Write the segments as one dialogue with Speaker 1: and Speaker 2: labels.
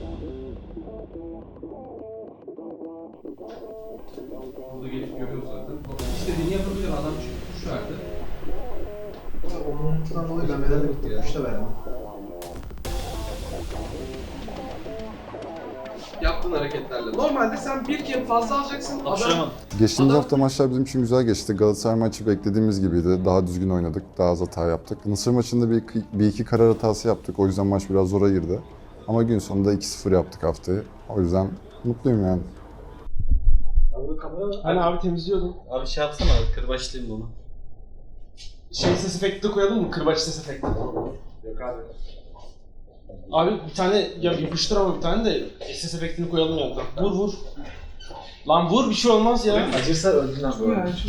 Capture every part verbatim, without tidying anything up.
Speaker 1: Burada gelip görüyoruz zaten. İstediğini yapabilir adam çünkü kuş verdi.
Speaker 2: Ondan dolayı ben medalya bitti. Kuş da verdim.
Speaker 1: Yaptığın hareketlerle. Normalde sen bir kere fazla alacaksın. Adam...
Speaker 3: Geçtiğimiz
Speaker 1: Adam-
Speaker 3: hafta maçlar bizim için güzel geçti. Galatasaray maçı beklediğimiz gibiydi. Daha düzgün oynadık, daha az hata yaptık. Mısır maçında bir, bir iki karar hatası yaptık. O yüzden maç biraz zora girdi. Ama gün sonunda iki sıfır yaptık haftayı. O yüzden mutluyum yani.
Speaker 2: Hani abi temizliyordum.
Speaker 4: Abi şey yapsana, kırbaçlayayım bunu.
Speaker 2: Şey ses efekti de koyalım mı? Kırbaç ses efekti. Yok abi. Abi bir tane ya yapıştır ama bir tane de ses efektini koyalım yanına. Vur vur. Lan vur, bir şey olmaz ya.
Speaker 5: Acırsa öldün abi.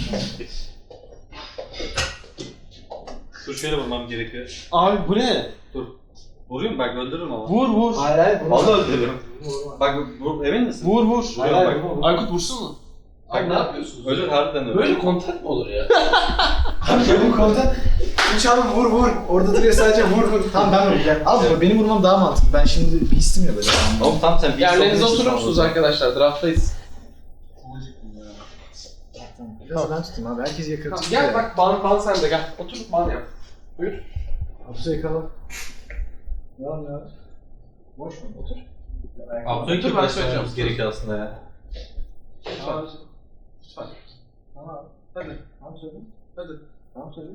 Speaker 4: Dur şöyle vurmam gerekiyor.
Speaker 2: Abi bu ne?
Speaker 4: Dur. Vurayım bak, öldürürüm ama.
Speaker 2: Vur vur.
Speaker 5: Hayır hayır.
Speaker 4: Vallahi öldürürüm. Bak vur, emin misin?
Speaker 2: Vur vur.
Speaker 5: Hayır
Speaker 4: Hayır,
Speaker 5: hayır.
Speaker 4: bak.
Speaker 2: Aykut vursun mu?
Speaker 1: Abi ne yapıyorsunuz?
Speaker 4: Ölür, harbiden ölür.
Speaker 1: Böyle kontak mı olur ya?
Speaker 5: Abi benim komutan. Üç hanım vur vur. Orada duruyor sadece vur vur. Tamam ben vuracağım. Abi benim vurmam daha mantıklı. Ben şimdi bir hissim ya böyle.
Speaker 4: Oğlum tamam sen bir
Speaker 1: Yerlerinize
Speaker 4: sokuyorsun
Speaker 1: oturur musunuz
Speaker 4: ama.
Speaker 1: arkadaşlar? Draft'tayız.
Speaker 5: Biraz ben tutayım abi. Herkes yakın.
Speaker 1: Tamam, gel bak ban, ban sende gel. Otur ban yap. Buyur.
Speaker 5: Hapse yakala. Devam ya. Boş mu? Otur.
Speaker 4: Abdülhamid
Speaker 1: Dur, ben
Speaker 4: kırbaç
Speaker 1: söyleyeceğim.
Speaker 4: yapmamız gerekiyor aslında ya.
Speaker 1: Lütfen. Lütfen.
Speaker 5: Tamam.
Speaker 1: Hadi.
Speaker 5: Tamam söyle.
Speaker 1: Hadi.
Speaker 5: Tamam söyle.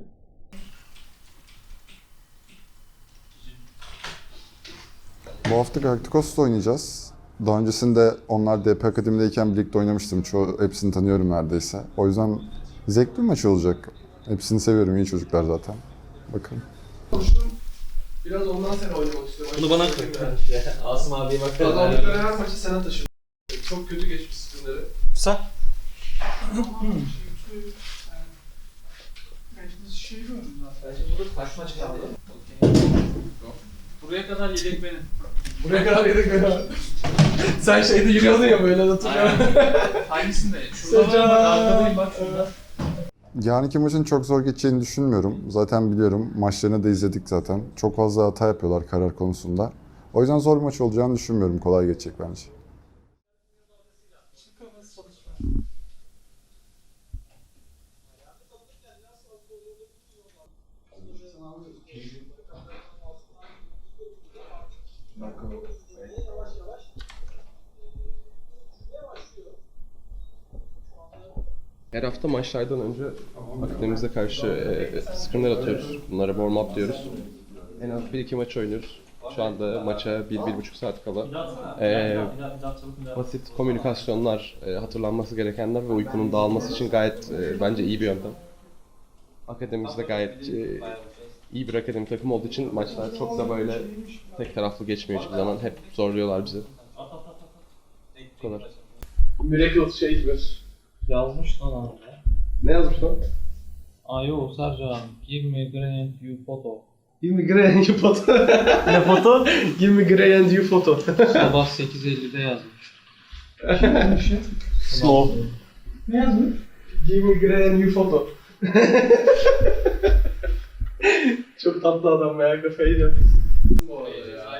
Speaker 3: Bu hafta Galacticos'ta oynayacağız. Daha öncesinde onlar D P Akademi'deyken birlikte oynamıştım. Çoğu, hepsini tanıyorum neredeyse. O yüzden zevkli bir maç olacak. Hepsini seviyorum, iyi çocuklar zaten. Bakalım.
Speaker 1: Konuştum. Biraz ondan seni oynamak istiyorum.
Speaker 4: Bunu bana koy.
Speaker 5: Asım abiye bak.
Speaker 1: Kazandıkları her maçı sana taşıdım. Çok kötü geçmiş spinleri.
Speaker 4: Sen?
Speaker 6: Buraya kadar yedek benim.
Speaker 1: Buraya kadar yedik beni. Sen şeyde yürüyordun ya böyle hatırlıyorum.
Speaker 6: Hangisinde? Şurada var bak, arkadayım bak şurada.
Speaker 3: Yarınki maçın çok zor geçeceğini düşünmüyorum. Zaten biliyorum. Maçlarını da izledik zaten. Çok fazla hata yapıyorlar karar konusunda. O yüzden zor bir maç olacağını düşünmüyorum. Kolay geçecek bence.
Speaker 1: Her hafta maçlardan önce akademimize karşı e, scrimler atıyoruz. Bunlara warm up diyoruz. En az bir iki maç oynuyoruz. Şu anda maça bir, bir buçuk saat kala. E, basit komünikasyonlar, e, hatırlanması gerekenler ve uykunun dağılması için gayet e, bence iyi bir yöntem. Akademimizde gayet e, iyi bir akademi takım olduğu için maçlar çok da böyle tek taraflı geçmiyor hiçbir zaman. Hep zorluyorlar bizi. Bu kadar. Miracle Shaker.
Speaker 6: Yazmış lan abi.
Speaker 1: Ne yazmış lan?
Speaker 6: Ayo Sercan, give me granite you photo.
Speaker 1: Give me gray and you photo. Ne foto? Give me gray and you photo.
Speaker 6: Sabah sekiz ellide yazmış.
Speaker 1: Slow.
Speaker 5: Ne yazmış?
Speaker 1: Give me gray and you photo. Çok tatlı adam ya, kafayı yiyor. Bu arada ya.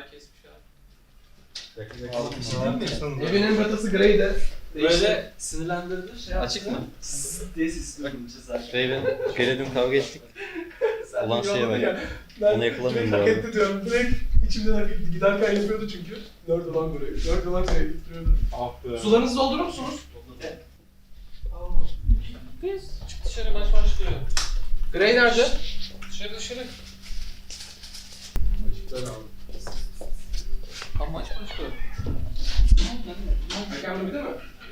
Speaker 1: Evinin batası grey de.
Speaker 6: Böyle sinirlendirdi şey
Speaker 4: Açık mı?
Speaker 5: Diye sesliyorum.
Speaker 4: Raven, gele dün kavga ettik. Ulan şeye bak.
Speaker 1: Ben
Speaker 4: Onu yakalamıyorum bu
Speaker 1: hak
Speaker 4: arada.
Speaker 1: etti diyorum. Direkt içimden hak etti. Giderken yapıyordu çünkü. Nerede lan burayı? Nerede lan burayı getiriyordu.
Speaker 6: Ah be.
Speaker 1: Sularınızı doldurur musunuz?
Speaker 6: Biz çık dışarı, maç başlıyor.
Speaker 1: Grey nerede?
Speaker 6: Dışarı dışarı. Tam maç başlıyor.
Speaker 1: Hakem değil mi?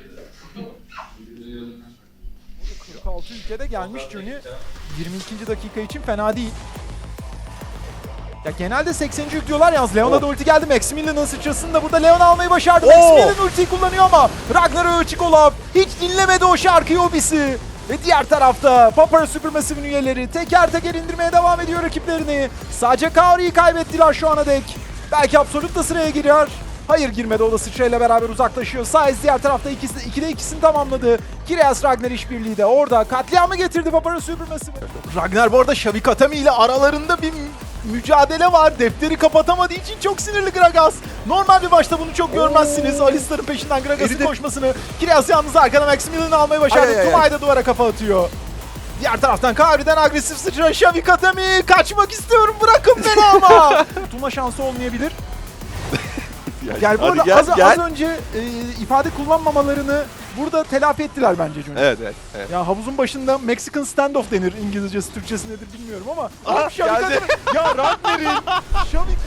Speaker 7: kırk altı ülkede gelmiş Johnny. yirmi ikinci dakika için fena değil. Ya genelde sekseninci yüklüyorlar yalnız. Leon'a da ulti geldi. Maximilian'ın sıçrasını da burada Leon almayı başardı. Maximilian ultiyi kullanıyor ama Ragnar Öçikolov hiç dinlemedi o şarkıyı Obisi. Ve diğer tarafta Papara Supermassive'in üyeleri teker teker indirmeye devam ediyor rakiplerini. Sadece Kaori'yi kaybettiler şu ana dek. Belki Absolute da sıraya girer. Hayır girmedi, o da sıçrayla beraber uzaklaşıyor. Saez diğer tarafta ikisi, ikide ikisini tamamladı. Kireas Ragnar işbirliği de orada katliamı getirdi Papara Supermassive. Ragnar bu arada Shavik Atami ile aralarında bir mücadele var. Defteri kapatamadığı için çok sinirli Gragas. Normal bir maçta bunu çok görmezsiniz. Alistar'ın peşinden Gragas'ın koşmasını. Kiraz yalnız arkada Maximilian'ı almayı başardı.
Speaker 8: Ay, ay, ay.
Speaker 7: Tumay da duvara kafa atıyor. Diğer taraftan Kari'den agresif sıçra Shavik Atami. Kaçmak istiyorum, bırakın beni ama. Tuma şansı olmayabilir. Yani bu
Speaker 8: Hadi
Speaker 7: arada
Speaker 8: gel,
Speaker 7: az,
Speaker 8: gel.
Speaker 7: az önce e, ifade kullanmamalarını burada telafi ettiler bence Johnny.
Speaker 8: Evet evet. evet.
Speaker 7: Ya havuzun başında Mexican standoff denir. İngilizcesi, Türkçesi nedir bilmiyorum ama.
Speaker 8: Aha,
Speaker 7: Abi Shavik
Speaker 8: geldi.
Speaker 7: Atami. Ya Ragner'in. Shavik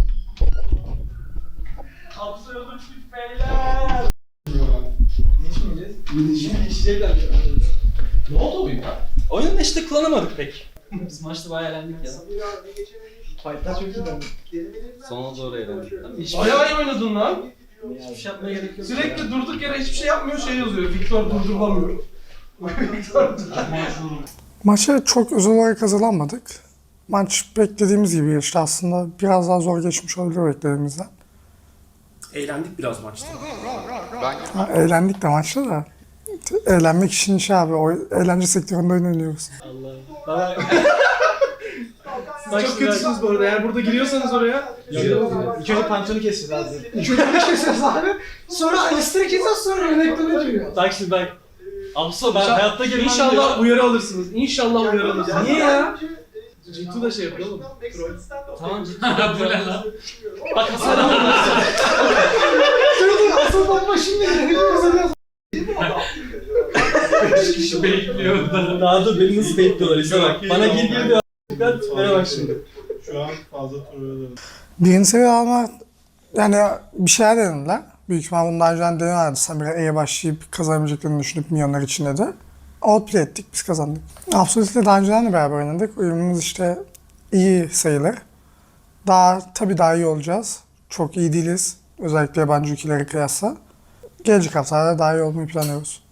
Speaker 2: Ne oldu oyun ya?
Speaker 4: Oyunda işte kullanamadık pek.
Speaker 5: Biz maçta bayağı eğlendik ya.
Speaker 2: Fight'lar çok güzel.
Speaker 4: Sona doğru eğlendik.
Speaker 2: Bayağı iyi oynadın lan.
Speaker 5: Hiçbir şey yapmaya gerek yok.
Speaker 2: Sürekli durduk yere hiçbir şey yapmıyor, şey yazıyor. Victor durdurulamıyor. Victor
Speaker 9: Maça çok özel olarak hazırlanmadık. Maç beklediğimiz gibi geçti aslında. Biraz daha zor geçmiş olabilir beklediğimizden.
Speaker 2: Eğlendik biraz maçta.
Speaker 9: Ha, eğlendik de maçta da. Eğlenmek için şey abi, o eğlence sektöründe oynanıyoruz.
Speaker 5: Baba.
Speaker 2: Siz çok kötüsünüz bu arada. Eğer burada giriyorsanız oraya.
Speaker 5: İlk önce pantolonu kesiyoruz abi.
Speaker 2: İlk önce bunu kesiyoruz abi. Sonra Alistair'ı kesiyoruz, sonra Renekton'a giriyor.
Speaker 5: Bak şimdi bak. Abso ben hayatta girmem
Speaker 2: İnşallah
Speaker 5: diyor.
Speaker 2: uyarı alırsınız. İnşallah uyarı alırsınız. Niye ya? Citu da şey yapıyor oğlum.
Speaker 5: Tamam ciddi. Bu ne lan? Bak Hasan abi.
Speaker 2: Asıl bomba şimdi geliyor.
Speaker 5: Beş kişi bekliyor. Daha da beni nasıl bekliyorlar işte bak. Bana gir gir diyor. Bana bak şimdi.
Speaker 10: Şu an fazla turluyorlar.
Speaker 9: Birinci seviye alma, yani bir şeyler denediler. Büyük ihtimal bundan önce deniyorlardı. Samira E'ye başlayıp kazanabileceklerini düşünüp milyonlar içinde de. Outplay ettik, biz kazandık. Absolute'le daha önceden de beraber oynadık. Uyumumuz işte iyi sayılır. Daha, tabii daha iyi olacağız. Çok iyi değiliz. Özellikle yabancı ülkelere kıyasla. Gelecek haftalarda daha iyi olmayı planlıyoruz.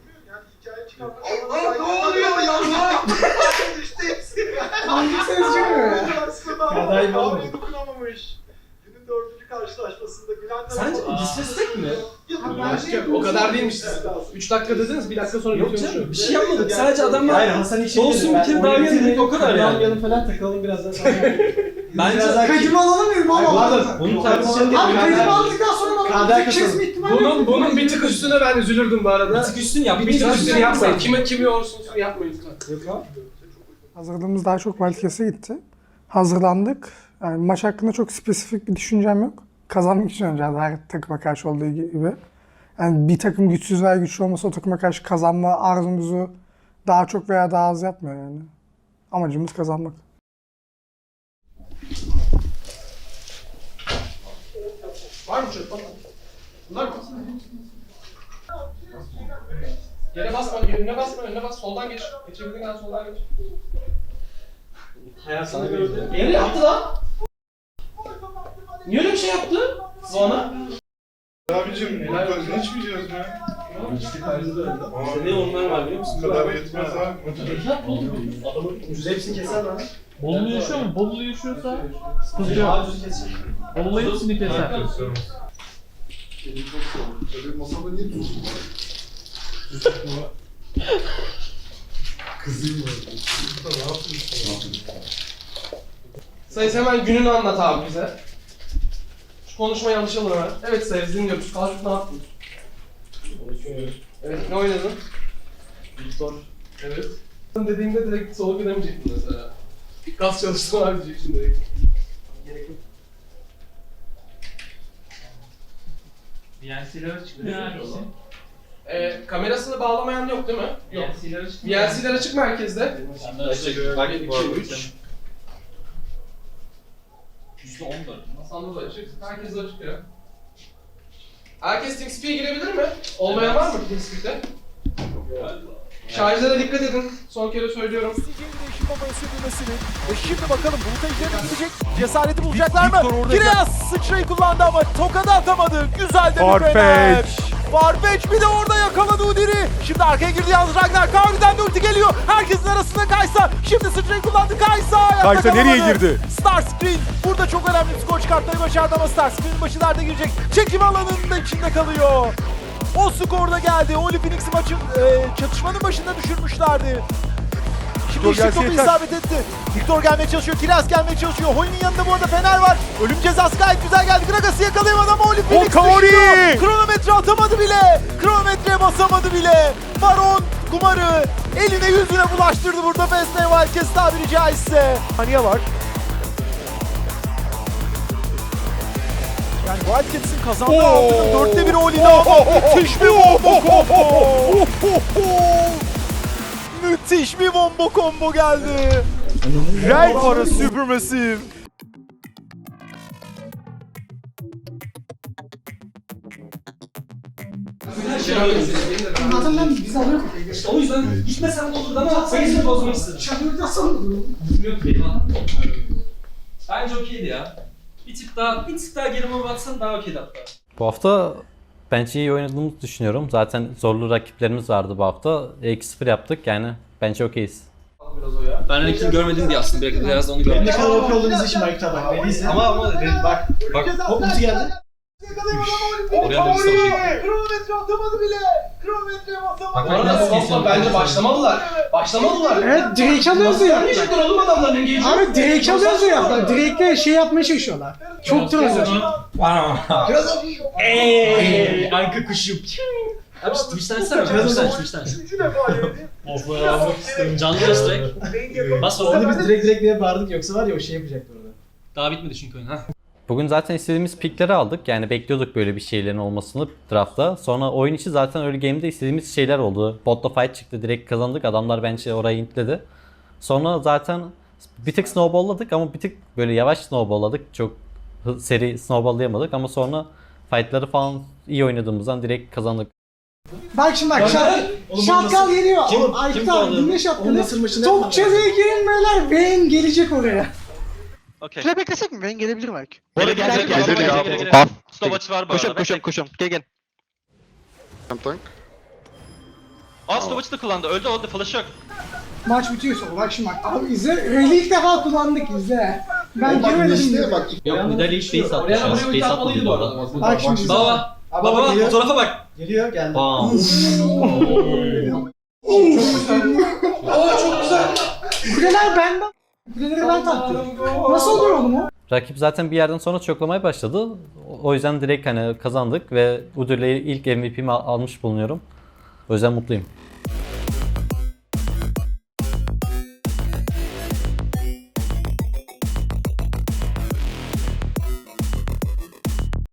Speaker 2: Ne oluyor ya? Hangi ses çıkıyor ya?
Speaker 5: Kadar iyi olmuyor.
Speaker 10: Günün dördüncü karşılaşmasında Gülen
Speaker 5: Sence disrespect mi?
Speaker 2: O kadar değilmiş. üç dakika dediniz, bir dakika sonra
Speaker 5: Yok
Speaker 2: bitiyormuş.
Speaker 5: canım bir şey yapmadık. Sadece adamlar
Speaker 10: Hayır Hasan işe
Speaker 5: olsun bir kere daha yedik o kadar yani.
Speaker 10: Yanım falan takılalım biraz daha sonra.
Speaker 5: Bence
Speaker 2: Kaydımı alalım mı?
Speaker 5: bunu tartışalım.
Speaker 2: Abi kaydımı aldıktan sonra bana çekeceğiz mi ihtimali? Bunun, bunun bir tık üstüne ben üzülürdüm bu arada.
Speaker 5: Bir tık üstün yap.
Speaker 2: Bir tık üstüne yapmayın. Kime kimi olsun yapmayın lütfen.
Speaker 9: Hazırlığımız daha çok Wildcats'e gitti. Hazırlandık. Yani maç hakkında çok spesifik bir düşüncem yok. Kazanmak için oynayacağız her takıma karşı olduğu gibi. Yani bir takım güçsüz veya güçlü olmasa o takıma karşı kazanma arzumuzu daha çok veya daha az yapmıyor yani. Amacımız kazanmak.
Speaker 2: Var mı çöp? Bunlar mı? Yere basma, önüne basma, önüne bas. Soldan geç. Geçebildiğin kadar soldan geç.
Speaker 5: Hayatını gördüm.
Speaker 2: Nereye yaptı lan? Niye öyle bir şey yaptı? Zona.
Speaker 10: Abicim bu gözünü içmeyeceğiz mi?
Speaker 5: Ne onlar var biliyor musun?
Speaker 10: Bu kadar yetmez abi.
Speaker 5: Adamın ucuz hepsini keser lan.
Speaker 6: Bolulu yaşıyor mu? Bolulu yaşıyorsa sıkıntı yok.
Speaker 5: Ucuz keser.
Speaker 6: Bolulu hepsini keser.
Speaker 3: Masada niye durdun? Kızıyım
Speaker 2: Sayıs hemen gününü anlat abi bize. Şu konuşmayı alışalım hemen. Evet Sayıs dinliyoruz. Kalkıp ne yaptın? Evet ne oynadın? Victor. Evet. Dediğimde direkt soğuk gidemeyecektin mesela. Gaz çalıştım abi diyeceksin direkt. Gerek yok.
Speaker 6: V N C'lere çıkıyor hangisi?
Speaker 2: Ee, kamerasını bağlamayan yok değil mi? Yok.
Speaker 6: V N C'lere çıkıyor.
Speaker 2: V N C'ler açık merkezde.
Speaker 4: Bak
Speaker 2: bir,
Speaker 4: bu
Speaker 2: iki,
Speaker 4: arada.
Speaker 2: üç.
Speaker 6: yüzde on dört.
Speaker 2: Sanda da açık. Herkes de açık ya. Herkes TeamSpeak'e girebilir mi? Olmayan var mı TeamSpeak'te? Şarjlara dikkat edin. Son kere söylüyorum.
Speaker 7: İsteyeceği bir değişim babaya sürdürmesini. Ve şimdi bakalım Bulut'a üzerine gidecek. Cesareti bulacaklar mı? Kiraz sıçrayı kullandı ama tokadı atamadı. Güzel de bir fener. Farfetch bir de orada yakaladı Udyr'i. Şimdi arkaya girdi yalnız Ragnar. Kavri'den de ulti geliyor. Herkesin arasında Kaysa. Şimdi sıçrayı kullandı Kaysa. Kaysa nereye girdi? Starscreen burada çok önemli bir skor çıkartmayı başardı ama Starscreen'in başı derde girecek. Çekim alanının da içinde kalıyor. O skor da geldi. Oli Phoenix'i maçın e, çatışmanın başında düşürmüşlerdi. Victor
Speaker 6: gelse
Speaker 7: topu
Speaker 6: yeter.
Speaker 7: isabet etti. Victor gelmeye çalışıyor. Kiraz gelmeye çalışıyor. Hoy'un yanında bu arada Fener var. Ölüm cezası gayet güzel geldi. Gragas'ı yakalayamadı ama Oli Felix
Speaker 6: Okaori!
Speaker 7: düşüyor. Kronometre atamadı bile. Kronometreye basamadı bile. Baron kumarı eline yüzüne bulaştırdı burada Festival Wildcats tabiri caizse. Saniye var. Yani Wildcats'in kazandığı altının dörtte biri Oli'de ama müthiş bir wombo combo. Müthiş bir wombo combo geldi. Right for a supermassive.
Speaker 9: Zaten ben biz alıyoruz.
Speaker 2: O yüzden gitmesen olurdu ama sayısını bozmak istedim.
Speaker 9: Şampiyon nasıl?
Speaker 2: Yok benim adam. Bence okeydi ya. Bir tık daha, bir tık daha gerime baksan daha okeydi hatta.
Speaker 8: Bu hafta bence iyi oynadığımızı düşünüyorum. Zaten zorlu rakiplerimiz vardı bu hafta. iki sıfır yaptık yani bence okeyiz.
Speaker 2: Ben rakibi görmedim diye aslında biraz, biraz da onu gördüm.
Speaker 5: Ne kadar okey olduğunu izle şimdi Aykut'a bak. Beni izle.
Speaker 2: Ama ama bak
Speaker 5: Bak hop ulti geldi.
Speaker 2: oraya da bir savaşa gitti.
Speaker 7: Kronometre atamadı bile. Kronometreye basamadı.
Speaker 2: Bak ben nasıl geçiyorum? Bence başlamadılar. Başlamadılar.
Speaker 9: Evet Drake alıyoruz ya.
Speaker 2: Yapmayacaklar oğlum adamların engage'i.
Speaker 9: Abi Drake alıyoruz ya. Drake'le şey yapmaya çalışıyorlar. Çok troll.
Speaker 2: Eee, anka kuşum. Abi şu Twitch'ten sen Twitch'ten Twitch'ten. Of ya. Canlı göz direkt. Bas
Speaker 5: Onu
Speaker 2: onu.
Speaker 5: biz direkt direkt diye bağırdık yoksa var ya o şey yapacaktı orada.
Speaker 2: Daha bitmedi çünkü oyun ha.
Speaker 8: Bugün zaten istediğimiz pikleri aldık. Yani bekliyorduk böyle bir şeylerin olmasını draftta. Sonra oyun içi zaten early game'de istediğimiz şeyler oldu. Botta fight çıktı, direkt kazandık. Adamlar bence orayı intledi. Sonra zaten bir tık snowball'ladık ama bir tık böyle yavaş snowball'ladık. Çok hı- seri snowball'layamadık ama sonra fight'ları falan iyi oynadığımızdan direkt kazandık.
Speaker 9: Bak şimdi bak şat, şatkal geliyor. Oğlum Aykut abi dinle
Speaker 5: Onun
Speaker 9: şatkalı.
Speaker 5: nasıl maçını
Speaker 9: Top çözeye girin beyler. Vayne gelecek oraya.
Speaker 4: Okey.
Speaker 9: Şöyle beklesek mi? Vayne gelebilir belki.
Speaker 4: Gelir gelir gelir.
Speaker 3: Gelir ya.
Speaker 4: Gelir gelir.
Speaker 3: Bam.
Speaker 4: Stop açı var bu
Speaker 3: Koşun
Speaker 4: arada.
Speaker 3: koşun
Speaker 4: Bekle.
Speaker 3: koşun. Gel gel. Tank.
Speaker 4: Aa stop açı da kullandı. Öldü öldü. Flash yok.
Speaker 9: Maç bitiyor sonra. Bak şimdi bak. Abi izle. Rally ilk defa kullandık izle. Ben girmedim.
Speaker 3: işte bak.
Speaker 8: Yok müdahale hiç base attı.
Speaker 2: Oraya buraya ulti atmalıydı bu arada.
Speaker 9: Bak şimdi izle.
Speaker 2: Baba.
Speaker 5: Abi
Speaker 2: Baba
Speaker 5: baba
Speaker 2: bak
Speaker 5: geliyor.
Speaker 2: fotoğrafa bak.
Speaker 5: Geliyor geldi.
Speaker 8: Bam.
Speaker 2: Aa çok güzel.
Speaker 9: Kuleler benden. Kuleleri ben taktım. Nasıl oluyor oğlum o?
Speaker 8: Rakip zaten bir yerden sonra çoklamaya başladı. O- O yüzden direkt hani kazandık ve Udur'la ilk M V P'mi al- almış bulunuyorum. O yüzden mutluyum.